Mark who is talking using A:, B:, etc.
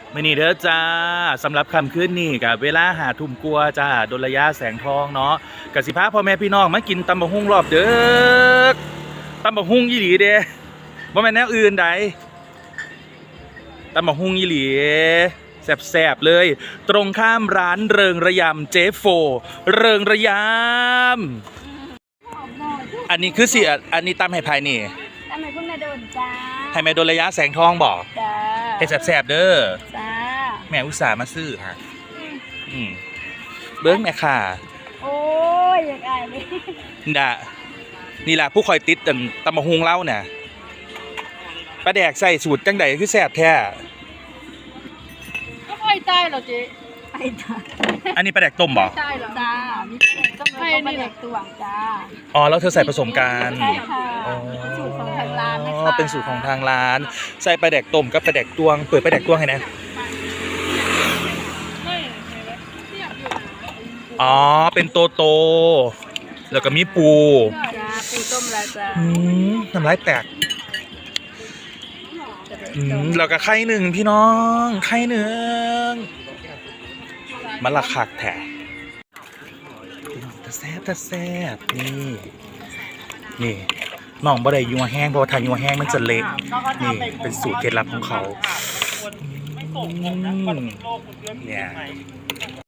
A: มื้อนี้เด้อจ้าสำหรับค่ำคืนนี้กับเวลา5 ทุ่มกว่าจ้าดลยาแสงทองเนาะกสิพาพ่อแม่พี่น้องมากินตำบักหุ่งรอบเด้อตำบักหุ่งอีหลีเด้บ่แม่นแนวอื่นใดตำบักหุ่งอีหลีแซ่บๆเลยตรงข้ามร้านเริงระยำเจโฟเริงระยำอันนี้คือสิอันนี้ตำให้ภายนี่
B: ตำให้คุณแม่โดนจ้า
A: ให้แม่ดลยาแสงทองบอก
B: จ้า
A: ให้แซ่บๆเด้อ
B: จ้า
A: แม่อุตส่าห์มาซื้อฮะเบิ้งแม่ค่ะ
B: โอ้ยอยากอายเลย
A: นี่ล่ะผู้คอยติดตำบักหุ่งเล่าเนี่ยปลาแดกใส่สูตรจังใดคือแซ่บแท้
C: ก็ไอ้ใต้เหรอเจ๊
B: ไอ้จ้า
A: อันนี้ปลาแดกต้มบ่
C: ใต้เหรอ
B: จ้ามีต้มแล้วก็ปลาแดกตวงจ้า
A: อ๋อแล้วเธอใส่ผสมกัน
B: ใช่ค่ะเป็นสูตรของทางร้านนะคะ
A: เป็นสูตรของทางร้านใส่ปลาแดกต้มกับปลาแดกตวงเปิดปลาแดกตวงให้นะอ๋อเป็นโตแล้วก็มีปู
B: จ้าปูต้มแล้วจ้า
A: น้ำลายแตกแล้วก็ไข่หนึ่งพี่น้องไข่หนึ่งมันละคักแท้ตะแซ่บนี่น้องบ่ได้ยัวแห้งเพราะว่าถ้ายัวแห้งมันจะเละนี่เป็นสูตรเคล็ดลับของเขาเนี่ย